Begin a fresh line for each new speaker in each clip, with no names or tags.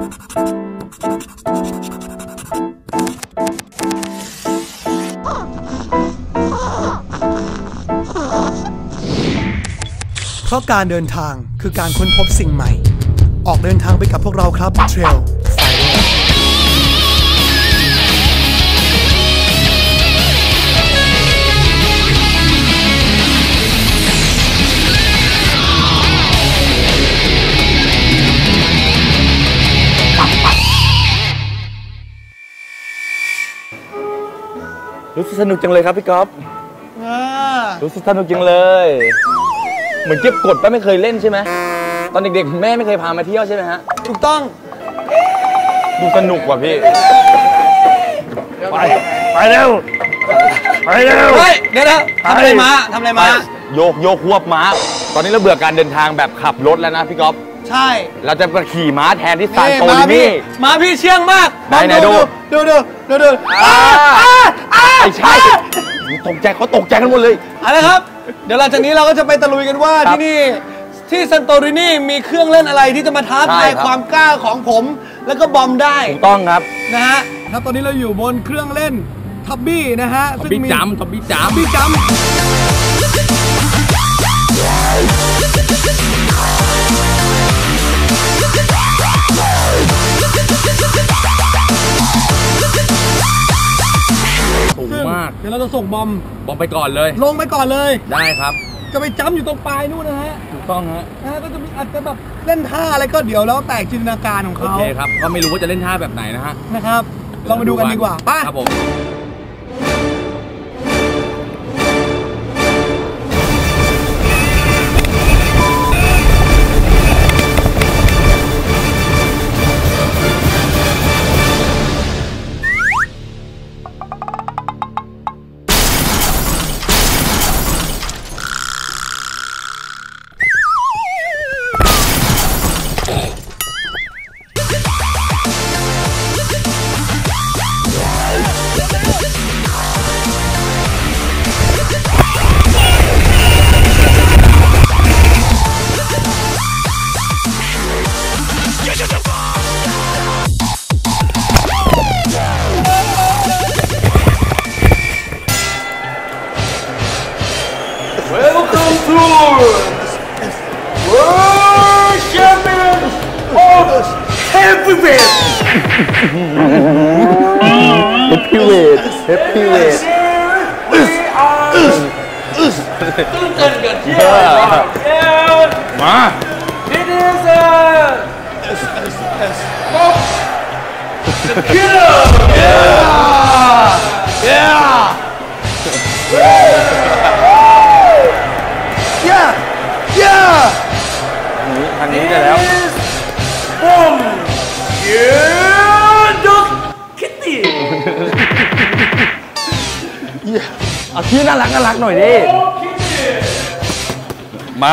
เพราะการเดินทางคือการค้นพบสิ่งใหม่ออกเดินทางไปกับพวกเราครับ Trail Finder
รู้สึกสนุกจังเลยครับพี่ก๊อฟรู้สึกสนุกจังเลยเหมือนเก็บกดป้าไม่เคยเล่นใช่ไหมตอนเด็กๆแม่ไม่เคยพามาเที่ยวใช่ไหมฮะ
ถูกต้อง
ดูสนุกว่ะพี่ไปเร็วไปเร็ว
เฮ้ยเดี๋ยวทำอะไรมา
โยกควบม้าตอนนี้เราเบื่อการเดินทางแบบขับรถแล้วนะพี่ก๊อฟ
ใช่
เราจะมาขี่ม้าแทนที่ซานโตรินี
ม้าพี่เชื่องมาก
ไหนดูไม่ใช่ตกใจเขาตกใจกันหมดเลย
อะไรครับเดี๋ยวหลังจากนี้เราก็จะไปตะลุยกันว่าที่นี่ที่ซานโตรินีมีเครื่องเล่นอะไรที่จะมาท้าทายความกล้าของผมแล้วก็บอมได้
ถูกต้องครับ
นะฮะครับตอนนี้เราอยู่บนเครื่องเล่นทับบี้นะฮะ
ทับบี้จัม
สูงมากเดี๋ยวเราจะส่งบอม
ไปก่อนเลย
ลงไปก่อนเลย
ได้ครับ
จะไปจัมอยู่ตรงปลายนู่นนะฮะ
ถูกต้องฮะ
ก็จะมีอาจจะแบบเล่นท่าอะไรก็เดี๋ยวแล้วแต่จินตนาการของเขา
โอเคครับก็ไม่รู้ว่าจะเล่นท่าแบบไหนนะฮะ
นะครับลองมาดูกันดีกว่าป่ะ
ครับผม
Heavyweight
ตื่นเต้นกันเที่ยว
มา
It is the killer
ทางนี้ได้แล้ว
Boom Dog Kitty
เอาที่น่ารักหน่อยดิมา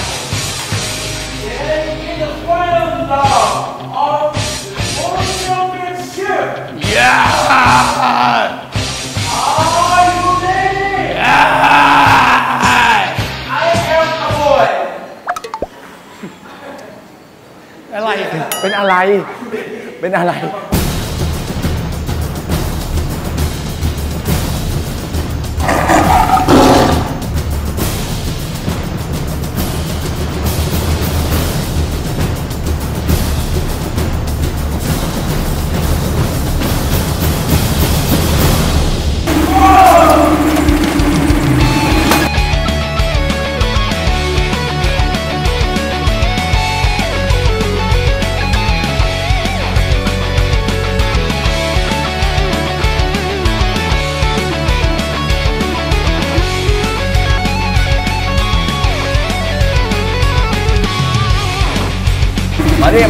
อะไร
เป็นอะไรมาดิ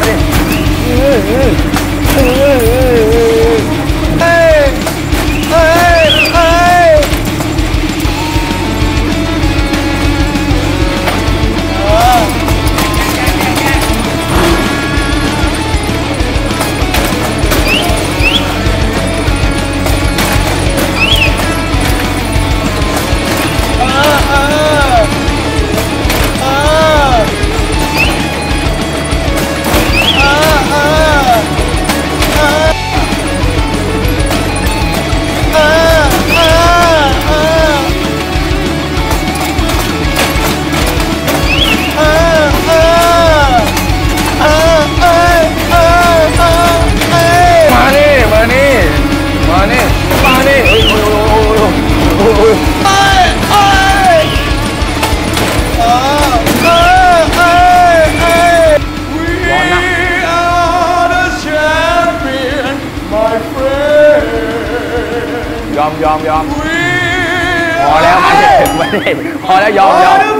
พอแล้วไม่ได้พอแล้วยอม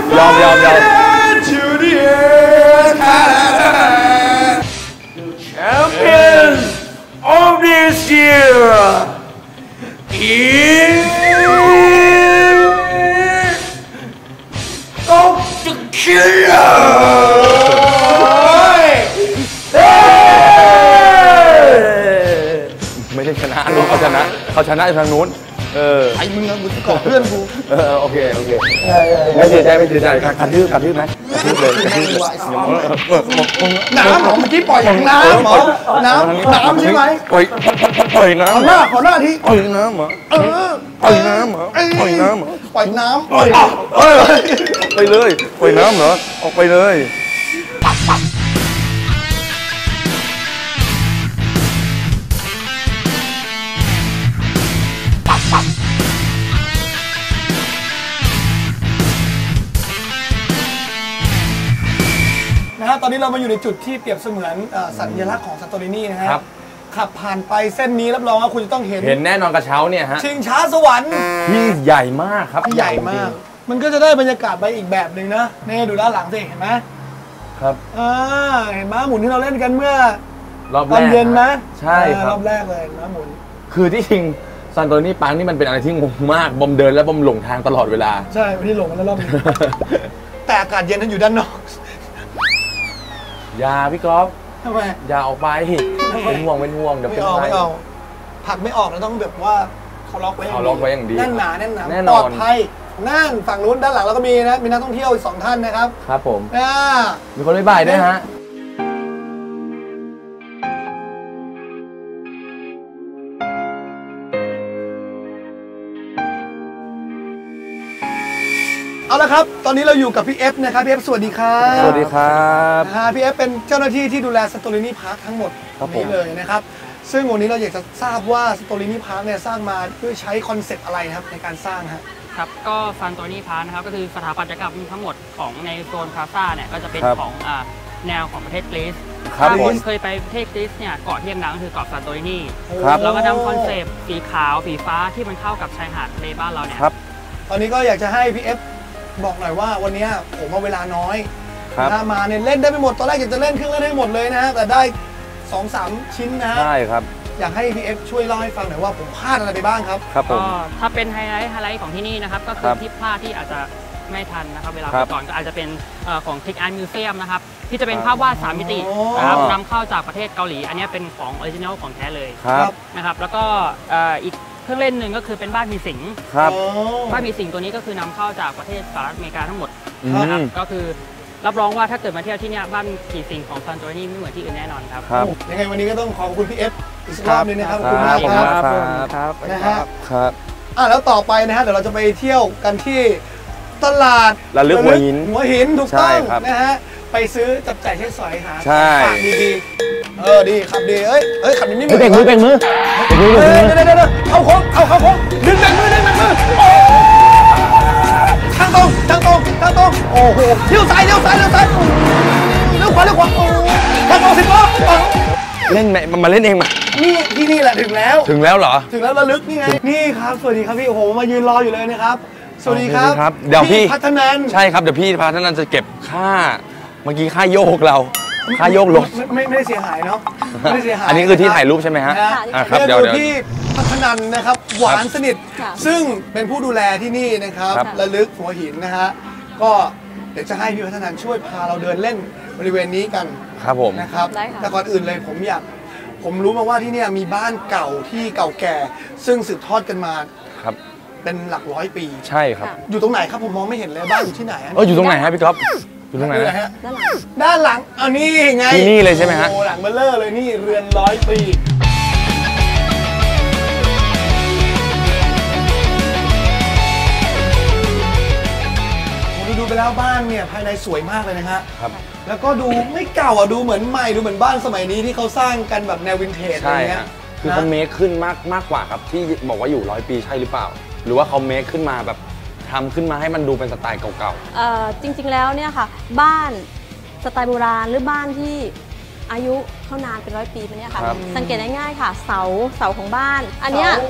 Champions of this year is Dr. Killer
ไม่ได้ชนะนู้นเขาชนะทางนู้น
ไอ้มึงอะมึงก่อเพื่อนกู
โอเคไม่เสียใจกระทืบไหมกระทืบเลย
น้ำหมอเมื่อกี้ปล่อยอย่างน้ำหมอน้ำใช่ไหม
ปล่อยน้ำ
ขอหน้าที
ปล่อยน้ำเหรอปล่อยน้ำเหรอปล่อยน้ำเหรอ
ปล่อยน้ำ
ไปเลยปล่อยน้ำเหรอออกไปเลย
ตอนนี้เรามาอยู่ในจุดที่เปรียบเสมือนสัญลักษณ์ของซานโตรินีนะครับขับผ่านไปเส้นนี้รับรองว่าคุณจะต้องเห็น
แน่นอนกระเช้าเนี่ยฮะ
ชิงช้าสวรรค์
ที่ใหญ่มากครับ
ใหญ่มากมันก็จะได้บรรยากาศไปอีกแบบหนึ่งนะนี่ดูด้านหลังสิเห็นไหม
ครับ
เห็นไหมหมุนที่เราเล่นกันเมื่อ
รอบแรก
ตอนเย็นนะ
ใช่ครับ
รอบแรกเลยนะหมุน
คือที่จริงซานโตรินีปาร์คนี่มันเป็นอะไรที่งงมากบอมเดินและบอมหลงทางตลอดเวลา
ใช่ไม่ได้หลงแล้วรอบนี้แต่อากาศเย็นนั้นอยู่ด้านนอก
ยาพี่ก๊อฟ
ทำไม
อย่าออกไปเป็นห่วงเดี๋ยวเป็นไร
ไม่เอาผักไม่ออกแล้วต้องแบบว่าเขาล็อกไว้
อย่างดี
แน่นหนาปลอดภัยนั่นฝั่งนู้นด้านหลังเราก็มีนะมีนักท่องเที่ยวอีก2 ท่านนะครับ
ครับผมมีคนบ๊ายบายด้วยฮะ
เอาละครับตอนนี้เราอยู่กับพี่เอฟนะครับพี่เอฟสวัสดีครับ
สวัสดีครับ
พี่เอฟเป็นเจ้าหน้าที่ที่ดูแลซานโตรินีพาร์คทั้งหมดนี้เลยนะครับซึ่งวันนี้เราอยากจะทราบว่าซานโตรินีพาร์คเนี่ยสร้างมาเพื่อใช้คอนเซ็ปต์อะไรครับในการสร้าง
ครับก็ซานโตรินีพาร์คนะครับก็คือสถาปัตยกรรมทั้งหมดของในโซนพลาซ่าเนี่ยก็จะเป็นของแนวของประเทศกรีซถ้าคุณเคยไปประเทศกรีซเนี่ยเกาะที่ดังก็คือเกาะซานโตรินีเราก็นำคอนเซ็ปต์สีขาวสีฟ้าที่มันเข้ากับชายหาดทะเลบ้านเราเนี่ย
ตอนนี้ก็อยากจะให้พี่เอฟบอกหน่อยว่าวันนี้ผมเอาเวลาน้อยถ้ามาเนี่ยเล่นได้ไม่หมดตอนแรกอยากจะเล่นเครื่องเล่นให้หมดเลยนะฮะแต่ได้ 2-3 ชิ้นนะฮะ
ใช่ครับ
อยากให้พี่เอฟช่วยเล่าให้ฟังหน่อยว่าผมพลาดอะไรไปบ้างครับ
ก็ถ้าเป็นไฮไลท์ของที่นี่นะครับก็คือที่พลาดที่อาจจะไม่ทันนะครับเวลาไปก่อนก็อาจจะเป็นของClick Art Museumนะครับที่จะเป็นภาพวาด3 มิตินะครับนำเข้าจากประเทศเกาหลีอันนี้เป็นของออริจินัลของแท้เลยนะครับแล้วก็อีกเครื่องเล่นหนึ่งก็คือเป็นบ้านมีสิงบ้านมีสิงตัวนี้ก็คือนำเข้าจากประเทศสหรัฐอเมริกาทั้งหมดนะครับก็คือรับรองว่าถ้าเกิดมาเที่ยวที่นี่บ้านผีสิงของซานโตรินีไม่เหมือนที่อื่นแน่นอนครับ
ยังไงวันนี้ก็ต้องขอบคุณพี่เอฟอีกรอบนึงนะครับขอบคุณมาก
ครับ
นะฮะแล้วต่อไปนะฮะเดี๋ยวเราจะไปเที่ยวกันที่ตลาด
ระลึกหัว
หินถูกต้องนะฮะไปซื้อจับจ่ายใช้สอยหาฝากดีดีขับดีขับดีนี่
เบ่งมือเดี๋ยว
เข้าโค้งดึงแบ่งมือทางตรงโอ้โหเลี้ยวซ้ายเลี้ยวขวาทางตรง10 ล้อ
เล่นมาเล่นเองมา
นี่ที่นี่แหละถึงแล้ว
เหรอ
ถึงแล้วระลึกนี่ไงนี่ครับสวัสดีครับพี่โอ้โหมายืนรออยู่เลยนะครับสวัสดีครับ
เดี๋ยวพี่
พัฒนัน
ใช่ครับเดี๋ยวพี่พัฒนันจะเก็บค่าเมื่อกี้ค่าโยกเราค่าโยกรถ
ไม่ได้เสียหายเนาะไม่ได้เสียหาย
อันนี้คือที่ถ่ายรูปใช่ไหมฮะ
ครับเดี๋ยวพี่พัฒนันนะครับหวานสนิทซึ่งเป็นผู้ดูแลที่นี่นะครับระลึกหัวหินนะฮะก็เดี๋ยวจะให้พี่พัฒนันช่วยพาเราเดินเล่นบริเวณนี้กัน
ครับผม
นะครับแต่ก่อนอื่นเลยผมรู้มาว่าที่นี่มีบ้านเก่าที่เก่าแก่ซึ่งสืบทอดกันมา
ครับ
เป็นหลักร้อยปี
ใช่ครับ
อยู่ตรงไหนครับผมมองไม่เห็นเลยบ้านอยู่ที่ไหน
อยู่ตรงไหนฮะพี่ก๊อฟอยู่ตรงไหน
ฮะด้านหลังนี่ไง
ที่นี่เลยใช่ไหมฮะ
โอ้หลังเบลเลอร์เลยนี่เรือน100 ปีดูไปแล้วบ้านเนี่ยภายในสวยมากเลยนะฮะ
ครับ
แล้วก็ดูไม่เก่าดูเหมือนใหม่ดูเหมือนบ้านสมัยนี้ที่เขาสร้างกันแบบแนววินเทจอะไรเงี้ย
คือเขาเมคขึ้นมากกว่าครับที่บอกว่าอยู่100 ปีใช่หรือเปล่าหรือว่าเขาเมคขึ้นมาแบบทำขึ้นมาให้มันดูเป็นสไตล์เก่า
ๆจริงๆแล้วเนี่ยค่ะบ้านสไตล์โบราณหรือบ้านที่อายุเขานานเป็น100 ปีเนี่ยค่ะสังเกตง่ายๆค่ะเสาของบ้านอันเนี้ย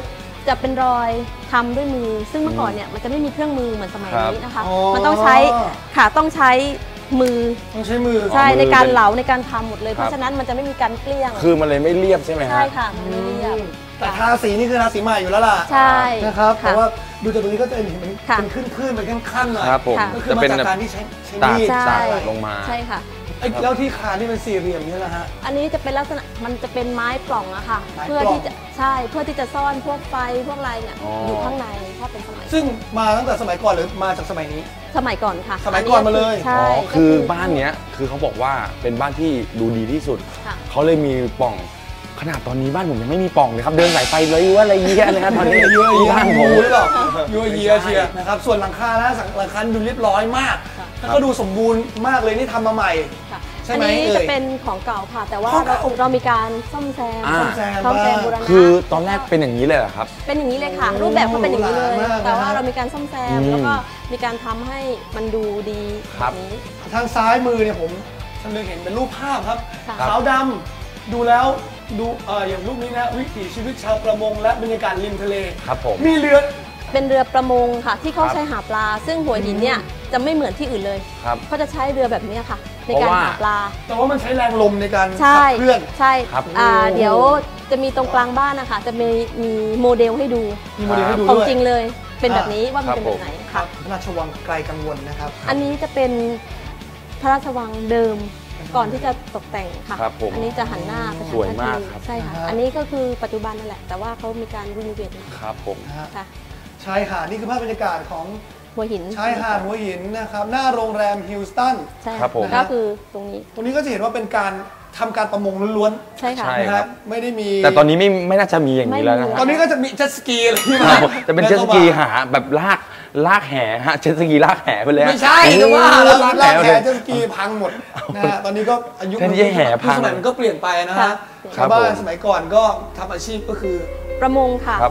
จะเป็นรอยทำด้วยมือ ซึ่งเมื่อก่อนเนี่ยมันจะไม่มีเครื่องมือเหมือนสมัยนี้นะคะ
อ๋อ
มันต้องใช้ค่ะต้องใช้มือ
ต้องใช้มือ
ใช่
มือ
ในการ
เป็น
เหลาในการทำหมดเลย
ครับ
เพราะฉะนั้นมันจะไม่มีการเกลี้ยง
คือมันเลยไม่เรียบใช่ไหมฮะ
ใช่ค่ะมันไม่เรียบ
แต่ทาสีนี่คือทาสีใหม่อยู่แล้วล่ะ
ใช่
นะครับ
ค่ะ
แต่ว่าดูจากตรงนี้ก็จะเห็น
ค่ะ
เป็นขึ้นๆเป็นขั้นๆหน่อย
ครับผม
ค่ะ
ก็คือ
จะ
มา
เป็น
จากการที่ใช้
ตาก
มีด
ใช่
ตากลงมา
ใช่ค่ะ
ไอ้แล้วที่คานนี่เป็นสี่เหลี่ยมนี่แหละฮะ
อันนี้จะเป็นลักษณะมันจะเป็นไม้ปล่องอะค่ะ
ไม้ปล่อง
เพื่อที่จะใช่เพื่อที่จะซ่อนพวกไฟพวกอะไรเนี่ย
อ๋อ
อ
อ
ยู่ข้างในถ้าเป็นสมัย
ซึ่งมาตั้งแต่สมัยก่อนหรือมาจากสมัยนี้
สมัยก่อนค่ะ
สมัยก่อนมาเลย
ใช่
อ๋อ
ก็
คือบ้านเนี้ยคือเขาบอกว่าเป็นบ้านที่ดูดีที่สุด
ค่ะ
เขาเลยมีปล่องขนาดตอนนี้บ้านผมยังไม่มีปล่องเลยครับเดินสายไฟเลยว่าอะไรเงี้ยนะครับตอนนี้
เยอะ
บ้านผม
หรือเปล่ายั่วเยียเชียร์นะครับส่วนหลังคานะหลังคาดูเรียบร้อยมากแล้วก็ดูสมบูรณ์มากเลยนี่ทำมาใหม่
ค่ะ
ใช่
อัน
ไหม
นี้
เอ่ย
จะเป็นของเก่าค่ะ แต่ว่า
ของเก่า
เรามีการซ่อมแซม
อ่า
ซ่อมแซมบูรณะ
คือตอนแรกเป็นอย่างนี้เลยเหรอครับ
เป็นอย่างนี้เลยค่ะ รูปแบบเขาเป็นอย่างนี้เลย
หรูหรามากนะ
แต่ว่าเรามีการซ่อมแซม
อืม
แล้วก็มีการทำให้มันดูดี
ครั
แบบ บนี้
ทางซ้ายมือเนี่ยผมชำเลืองเห็นเป็นรูปภาพครับ
ค่ะ
ขาวดำดูแล้วดูอย่างรูปนี้นะวิถีชีวิตชาวประมงและบรรยากาศริมทะเล
ครับผม
มีเรือ
เป็นเรือประมงค่ะ ที่เขา
ครับ
ใช้หาปลา ซึ่งหัวหินเนี่ยจะไม่เหมือนที่อื่นเลย
ครับ
เขาจะใช้เรือแบบนี้ค่ะ ใน
เพ
การ
ราะว่า
หาปลา
แต่ว่ามันใช้แรงลมในการ
ใช่
ขับเคลื่อน
ใช่
ครับ
เดี๋ยวจะมีตรงกลางบ้านนะคะจะมีโมเดลให้ดู
มีโมเดลให้ดู
ของ
ด้วย
จริงเลย เป็นแบบนี้ว่ามัน
ครับ
เป็นแบบไหน
ครั
ค่ะ
บพระราชวังไกลกังวลนะครับ
อันนี้จะเป็นพระราชวังเดิมก่อนที่จะตกแต่งค่ะ
ครับผม
อันนี้จะหันหน้าไปทาง
สวยมาก
ท่ทะเล
ครับ
ใช่ค่ะ
อ่าฮะ
อันนี้ก็คือปัจจุบันนั่นแหละ แต่ว่าเขามีการรีโนเวทมา
ครับผม
นะฮะ
ค่ะ
ชายหาดนี่คือภาพบรรยากาศของ
หัวหิน
ชายหาดหัวหินนะครับหน้าโรงแรมฮิลสตัน
ใช่
ครับผม
ก็คือตรงนี้
ตรงนี้ก็จะเห็นว่าเป็นการทำการประมงล้วน
ใช่ค่ะ
ใช่
ๆนะ
ค
ค
รั
รับ บไม่ได้มี
แต่ตอนนี้ไม่น่าจะมีอย่างนี้แล้วนะ
ไม่มี
ตอนนี้ก็จะมีเจ็ตสกีอะไรที่
ค
มา
รับจะเป็นเจ็ตสกีหาแบบลากแห่ฮะเจ็ตสกีลากแห่ไปเลยฮะ
ไม่ใช่จะว่าแล้ว
ลาก
ลาก
แห่
แข
เลย
นเจ็ตสกีพังหมดนะฮะตอนนี้ก็อายุ
แทนที่จะแห่พัง
สมัยมันก็เปลี่ยนไปนะ
ครั
ฮะ
บ
ชาวบ้า
ครั
น
บผม
สมัยก่อนก็ทำอาชีพก็คือ
ประมงค่ะ
ครับ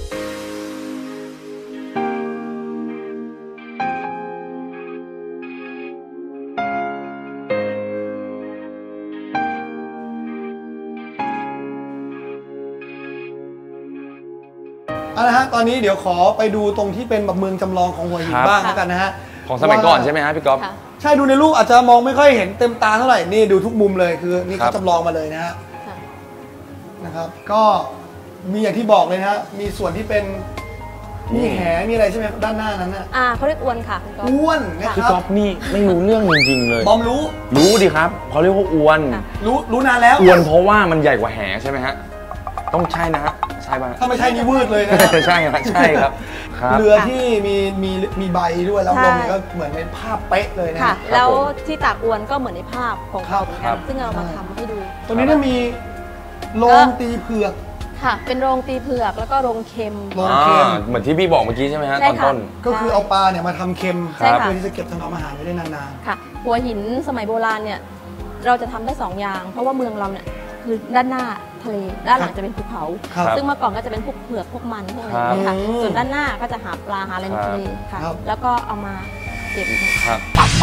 เอาละฮะตอนนี้เดี๋ยวขอไปดูตรงที่เป็นแบบเมืองจำลองของหัวหิน
ครับ
บ้างแล้วกันนะฮะ
ของสมัยก่อนใช่ไหมฮะพี่ก๊อฟ
ค่ะ
ใช่ดูในรูปอาจจะมองไม่ค่อยเห็นเต็มตาเท่าไหร่นี่ดูทุกมุมเลยคือนี่
ครั
เขา
บ
จำลองมาเลยนะฮะ
ค่ะ
นะครับ ก็มีอย่างที่บอกเลยนะฮะมีส่วนที่เป็นมีแหมีอะไรใช่ไหมด้านหน้านั้นน่ะ
เขาเรียกอวนค่ะคุณก๊อฟ
อ้วนนะ
พี่
ครับ
ก๊อฟนี่ไม่รู้เรื่องจริงๆเลย
บอมรู้
รู้ดิครับเขาเรียกว่าอวน
ค่ะ
รู้นานแล้ว
อวนเพราะว่ามันใหญ่กว่าแหใช่ไหมฮะต้องใช่นะฮะใช่ป่ะ
ถ้าไม่ใช่นี่วืดเลยนะฮะ
ใช่ครับใช่ครับครับ
เรือที่มีใบด้วยแล้ว
ใช่
ลมก็เหมือนเป็นภาพเป๊ะเลยนะ
ค่ะ
ฮะ
แล้ว
ผม
ที่ตากอวนก็เหมือนในภาพของเขาเหมือน
ครั
กัน
บ
ซึ่งเรามาทำให้ดู
ตรงนี้เนี่ยมีโรงตีเผือก
ค่ะ เป็นโรงตีเผือกแล้วก็โรงเค็ม
โรงเค็ม
เหมือนที่พี่บอกเมื่อกี้ใช่ไหมฮะ
ใช่
ตอน
ค่ะ
ต้น
ก็คือเอาปลาเนี่ยมาทำเค็ม
ใช่ค่ะ
เพื่อที่จะเก็บถนอมอาหารไว้ได้นาน
ค่ะ หัวหินสมัยโบราณเนี่ยเราจะทำได้สองอย่าง เพราะว่าเมืองเราเนี่ยคือด้านหน้าทะเล ด้านหลังจะเป็นภูเขา
ๆครับ
ซึ่งเมื่อก่อนก็จะเป็นพวกเผือกพวกมันพวกอะไรอย่างเงี้ยค่ะ
ครับ
ส่วนด้านหน้าก็จะหาปลาหาอะไรในทะเลค่ะ
ครับ
แล้วก็เอามาเก็บ
ครับ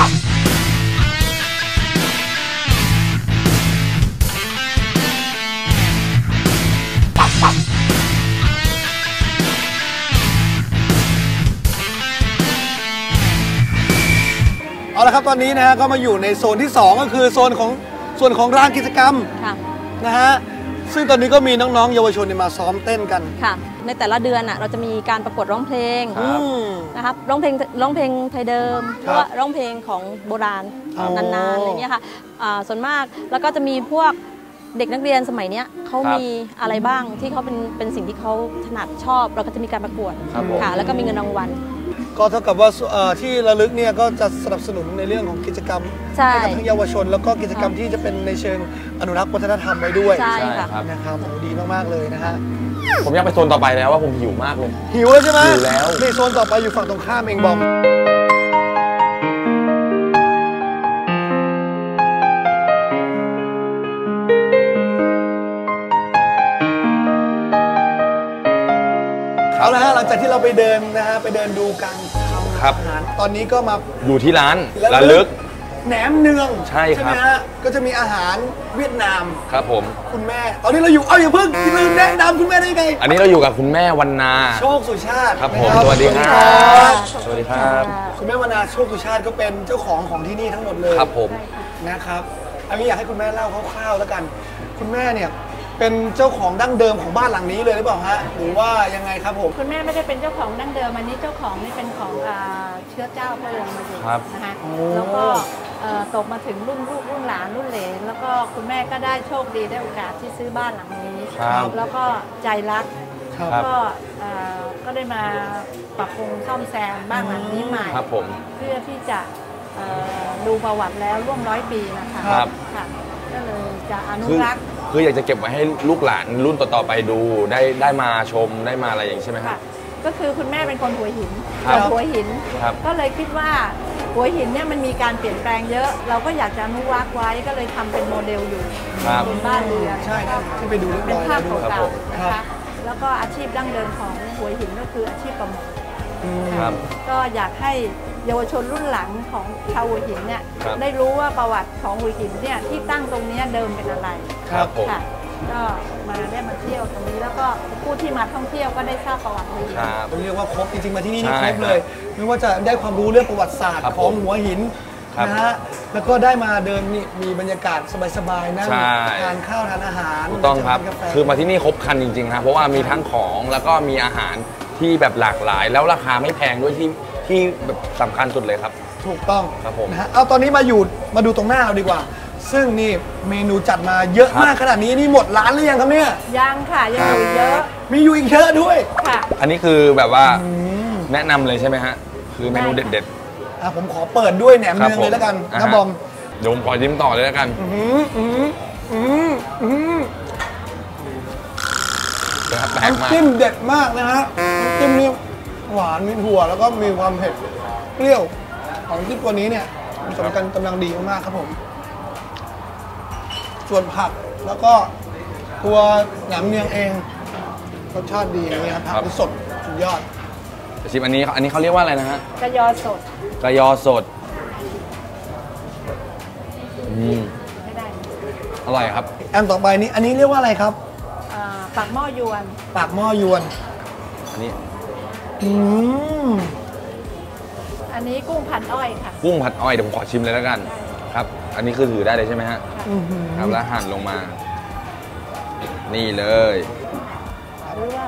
เอาละครับตอนนี้นะฮะก็มาอยู่ในโซนที่ 2 ก็คือโซนของส่วนของร้านกิจกรรม
ค่ะ
นะฮะซึ่งตอนนี้ก็มีน้องๆเยาวชนเนี่ยมาซ้อมเต้นกัน
ค่ะ ในแต่ละเดือนเราจะมีการประกวดร้องเพลง
ครับ
อืม
นะครับร้องเพลงไทยเดิมห
ครับ
รือว่าร้องเพลงของโบราณ
อ๋อ
นานๆอะไรเงี้ยค่ะส่วนมากแล้วก็จะมีพวกเด็กนักเรียนสมัยเนี้ยเขา
ครับ
มีอะไรบ้างที่เขาเป็นสิ่งที่เขาถนัดชอบ เราก็จะมีการประกวด
ครับผม
ค่ะ แล้วก็มีเงินรางวัล
ก็เท่ากับว่าที่ระลึกเนี่ยก็จะสนับสนุนในเรื่องของกิจกรรม
ใช่
ให้กับทั้งเยาวชน แล้วก็กิจกรรมที่จะเป็นในเชิงอนุรักษ์วัฒนธรรมไว้ด้วย
ใช่
ใช่
ค่ะ
ครับ
นะครับโหดีมากๆเลยนะฮะ
ผมอยากไปโซนต่อไปแล้วว่าผมหิวมากเลย
หิวแล้วใช่ไหม
หิวแล้ว
ในโซนต่อไปอยู่ฝั่งตรงข้ามเองบอมเอาละฮะหลังจากที่เราไปเดินนะฮะไปเดินดูการทำ
ครับ
อาหารตอนนี้ก็มา
อยู่ที่ร้าน
ระ
ระ
ลึ
ลึ
ก
ก
แหนมเนือง
ใช่ครับ
ไหมฮะก็จะมีอาหารเวียดนาม
ครับผม
คุณแม่ ตอนนี้เราอยู่อย่าเพิ่งลืมแนะนำคุณแม่ได้ไง
อันนี้เราอยู่กับคุณแม่วรรณา
โชคสุชาติ
ครับผม
นะ
สวัสดีครับ สวัสดีครับ
คุณแม่วรรณาโชคสุชาติก็เป็นเจ้าของที่นี่ทั้งหมดเลย
ครับผม
นะครับอันนี้อยากให้คุณแม่เล่าคร่าวๆแล้วกัน คุณแม่เนี่ยเป็นเจ้าของดั้งเดิมของบ้านหลังนี้เลยหรือเปล่าฮะหรือว่ายังไงครับผม
คุณแม่ไม่ได้เป็นเจ้าของดั้งเดิมอันนี้เจ้าของนี่เป็นของเชื้อเจ้าพระองค์มาอยู่
ครับ
นะคะแล้วก็ตกมาถึงรุ่นลูกรุ่นหลานรุ่นเหลนแล้วก็คุณแม่ก็ได้โชคดีได้โอกาสที่ซื้อบ้านหลังนี้
ครับ
แล้วก็ใจรัก
ครับ
ก็ได้มาปรับปรุงซ่อมแซมบ้านหลังนี้ใหม่
ครับผม
เพื่อที่จะดูประวัติแล้วร่วม100 ปีนะคะ
ครับ
ค่ะก็เลยจะอนุ
คือ
รักษ์
คืออยากจะเก็บไว้ให้ลูกหลานรุ่นต่อๆไปดูได้มาชมได้มาอะไรอย่างนี้ใช่ไหมครั
ค่ะ
บ
ก็คือคุณแม่เป็นคนหัวหิน
ครับ
หัวหิน
ครับ
ก็เลยคิดว่าหัวหินเนี่ยมันมีการเปลี่ยนแปลงเยอะ เราก็อยากจะอนุรักษ์ไว้ก็เลยทำเป็นโมเดลอยู่
ครับ
บนบ้านเรือน
ใช่ครับที่ไปดูเรียบ
เป็น
ร้อย
ภาพ
แล้ว
เก่า
ครับผม
ๆนะคะแล้วก็อาชีพดั้งเดิมของหัวหินก็คืออาชีพประมง
ครับ
ก็อยากให้เยาวชนรุ่นหลังของชาวหัวหินเนี่ย
ครับ
ได้รู้ว่าประวัติของหัวหินเนี่ยที่ตั้งตรงเนี้ยเดิมเป็นอะไร
ครับผม
ค่ะก็ได้มาเที่ยวตรงนี้แล้วก็ผู้ที่มาท่องเที่ยวก็ได้ทราบประวัติหัวหิน
ครับ
เรียกว่าครบจริงๆมาที่นี่นี่
ใช่
ครบเลย ไม่ว่าจะได้ความรู้เรื่องประวัติศาสตร์
ครับ
ของหัวหิน
ครับ
นะฮะแล้วก็ได้มาเดินนี่มีบรรยากาศสบายๆนั่ง
ใช่
ทานข้าวทานอาหาร
ถูกต้องครับ
ทานกาแฟ
คือมาที่นี่ครบครันจริงๆครับเพราะว่ามีทั้งของแล้วก็มีอาหารที่แบบหลากหลาย แล้วราคาไม่แพงด้วยที่แบบสำคัญสุดเลยครับ
ถูกต้อง
ครับผม
นะฮะเอาตอนนี้มาดูตรงหน้าเราดีกว่า ซึ่งนี่เมนูจัดมาเยอะ
ครับ
มากขนาดนี้นี่หมดร้านหรือยังครับเนี่ย
ยังค่ะยังอยู่เยอะ
มีอยู่อีกเยอะด้วย
ค่ะ
อันนี้คือแบบว่าแนะนำเลยใช่ไหมฮะคือเมนูเด็ด
ผมขอเปิดด้วยแหนม
ๆครับ
เนืองเลยแล้วกัน
อ่า
นะ
ฮะ
บอม
เดี๋ยวผมขอยิ้มต่อเลยแล้วกัน แปลกมาก
น้ำจิ้มเด็ดมากนะฮะน้ำจิ้มนี่หวานมีถั่วแล้วก็มีความเผ็ดเปรี้ยวของที่ตัวนี้เนี่ยมันสมกันกำลังดีมากๆครับผม ส่วนผักแล้วก็ตัวแหนมเนืองเองรสชาติดีนะครับผักสดสุดยอด
ชิมอันนี้เขาเรียกว่าอะไรนะฮะ
กระยอสด
กระยอสด
ไม่ได้
อร่อยครับ
อันต่อไปนี้อันนี้เรียกว่าอะไรครับ
ปากหม้อยวน
ปากหม้อยวน
อันนี้
อืม
อันนี้กุ้งผัดอ้อยค่ะ
กุ้งผัดอ้อยเดี๋ยวผมขอชิมเลยแล้วกันครับ อันนี้คือถือได้เลยใช่ไหมฮะ
อื้อหือ
ครับแล้วหั่นลงมา นี่เลย
หรือว่า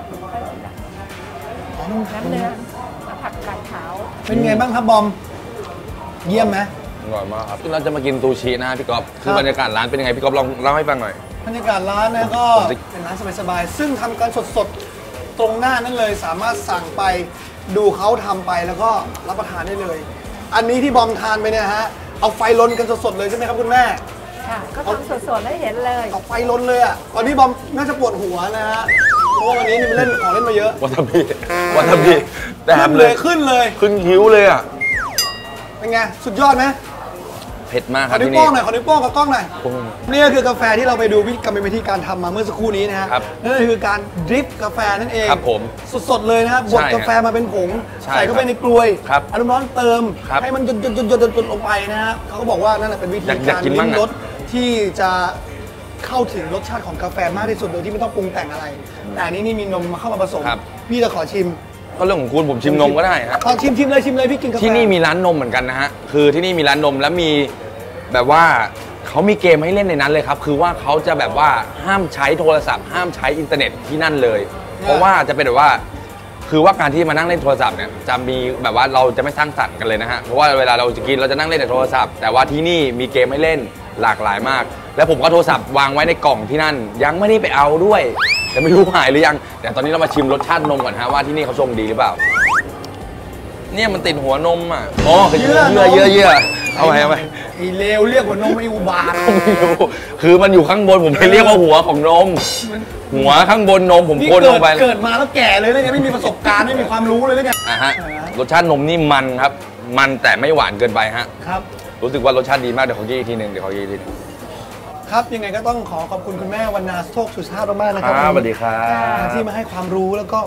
น้ำเนื้อผักกาดขาว
เป็นไงบ้างครับบอม เยี่ยมไหม
อร่อยมากครับเราจะมากินซูชินะฮะพี่ก๊อฟคื
ครับ
อบรรยากาศร้านเป็นยังไงพี่ก๊อฟลองเล่าให้ฟังหน่อย
บรรยากาศร้านนะก็
ผมจะ
เป็นร้านสบายๆซึ่งทำกันสดๆ ตรงหน้านั่นเลยสามารถสั่งไปดูเขาทำไปแล้วก็รับประทานได้เลย อันนี้ที่บอมทานไปเนี่ยฮะเอาไฟลนกันสดๆเลยใช่ไหมครับคุณแม่
ค่ะ ก็ทำสดๆให้เห็นเลย
เอาไฟลนเลยอ่ะตอนนี้บอมน่าจะปวดหัวนะฮะเพราะว่าวันนี้นี่มันเล่นของเล่นมาเยอะ
วาซาบิวาซาบิแต่
ขึ้น
เล
เลย ยขึ้นเลย
ขึ้นคิ้วเลยอ่ะ
เป็นไงสุดยอดไหม
เผ็ดมากค
ข
รั
อบ นิ้ว
ที่
โป้
นี่
งหน่อยขอนิ้วโป้งกับกล้องหน่อย
โอ้โห
นี่ก็คือกาแฟที่เราไปดูกรรมวิธีการทำมาเมื่อสักครู่นี้นะฮะ
ครับ
นั่นก็คือการดริปกาแฟนั่นเอง
ครับผม
สดๆเลยนะครับบด
ใช่
กาแฟมาเป็นผง
ใช่
ใส่เข้าไปในกลวย
ครับ
เอาน้ำร้อนเติม
ครับ
ให้มันหยดๆๆๆลงไปนะฮะเขาก็บอกว่านั่นแหละเป็นวิธี
อยาก
การ
กิน
ลิ้
บ้าง
ม
อะ
รสที่จะเข้าถึงรสชาติของกาแฟมากที่สุดโดยที่ไม่ต้องปรุงแต่งอะไร แต่อันนี้นี่มีนมมาเข้ามาผสม
ครับ
พี่จะขอชิม
ก็เรื่องของคุณผมชิมนมก็ได้ฮะ
เอาชิมเลยพี่กินกาแฟ
ที่นี่มีร้านนมเหมือนกันนะฮะ คือที่นี่มีร้านนมแล้วมีแบบว่าเขามีเกมให้เล่นในนั้นเลยครับ คือว่าเขาจะแบบว่าห้ามใช้โทรศัพท์ ห้ามใช้อินเทอร์เน็ตที่นั่นเลย เพราะว่าจะเป็นแบบว่า คือว่าการที่มานั่งเล่นโทรศัพท์เนี่ยจะมีแบบว่าเราจะไม่สร้างสรรค์กันเลยนะฮะ เพราะว่าเวลาเราจะกินเราจะนั่งเล่นแต่โทรศัพท์ แต่ว่าที่นี่มีเกมให้เล่นหลากหลายมาก แล้วผมก็โทรศัพท์วางไว้ในกล่องที่นั่น ยังไม่ได้ไปเอาด้วยแต่ไม่รู้หายหรือยัง แต่ตอนนี้เรามาชิมรสชาตินมก่อนฮะว่าที่นี่เขาชงดีหรือเปล่า เนี่ยมันติดหัวนมอ่ะอ๋อคือเยื่อเอาไว้
ไอ้เลวเรียกว่านมไอ้อุบาท
ไม่รู้คือมันอยู่ข้างบนผมเลยเรียกว่าหัวของนม หัวข้างบนนมผม
นี่
โคนลงไป
เกิดมาแล้วแก่เลยแล้วไงไม่มีประสบการณ์ไม่มีความรู้เลยแล้วไง
อ่ะฮะรสชาตินมนี่มันครับ มันแต่ไม่หวานเกินไปฮะ
ครับ
รู้สึกว่ารสชาติดีมากเดี๋ยวขอกินอีกทีหนึ่ง
ครับยังไงก็ต้องขอขอบคุณคุณแม่วรรณาโชคสุชาติมากๆนะครั
สวัสดีครับ
ที่มาให้ความรู้แล้วก็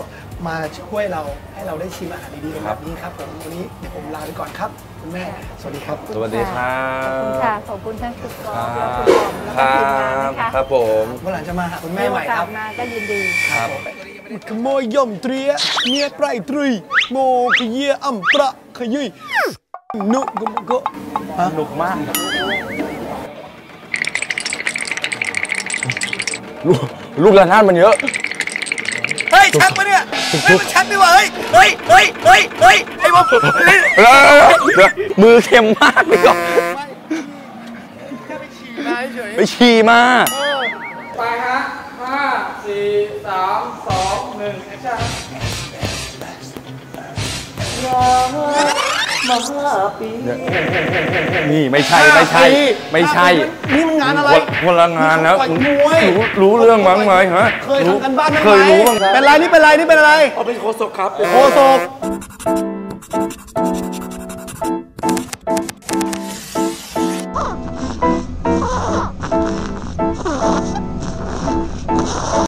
มาช่วยเราให้เราได้ชิมอาหารดีๆแบบนี้ครับผมวันนี้เดี๋ยวผมลาไปก่อนครับคุณแม่สวัสดีครับ
สวัสดีครั
ขอบคุณ
บ
ค่ะ ขอบคุณท่านคุณกอล์ฟและคุณบอมแล้วก็ทีมงานนะคะ
ครับผม
วันหลังจะมาหาคุณแม่ใหม่ครับ
มาก็ยินดี
ครับ
ขโมยย่อมเตรียเมียไพรตรีโมขเยียอ่ำประขยุยนุกก็
สนุกมากลูกระนาดมันเยอะ
เฮ้ยชักปะเนี่ยเฮ้ยมันชักดีกว่าเฮ้ยไอ้บอม
มือเค็มมากเลยก็
แค่ไปฉี่มาเฉย
ไปฉี่มา
ไปฮะ5 4 3 2 1แอคชั่น
นี่ไม่ใช่
นี่มันงานอะไร
คนละงานแล้ว
ต่อยมวย
รู้เรื่องมั้งไหมฮะ
เคยทำกันบ้านไหม
เคยรู้บ้าง
เป็นไรนี่เป็นอะไร
เขาเป็นโคศกครับ
โคศก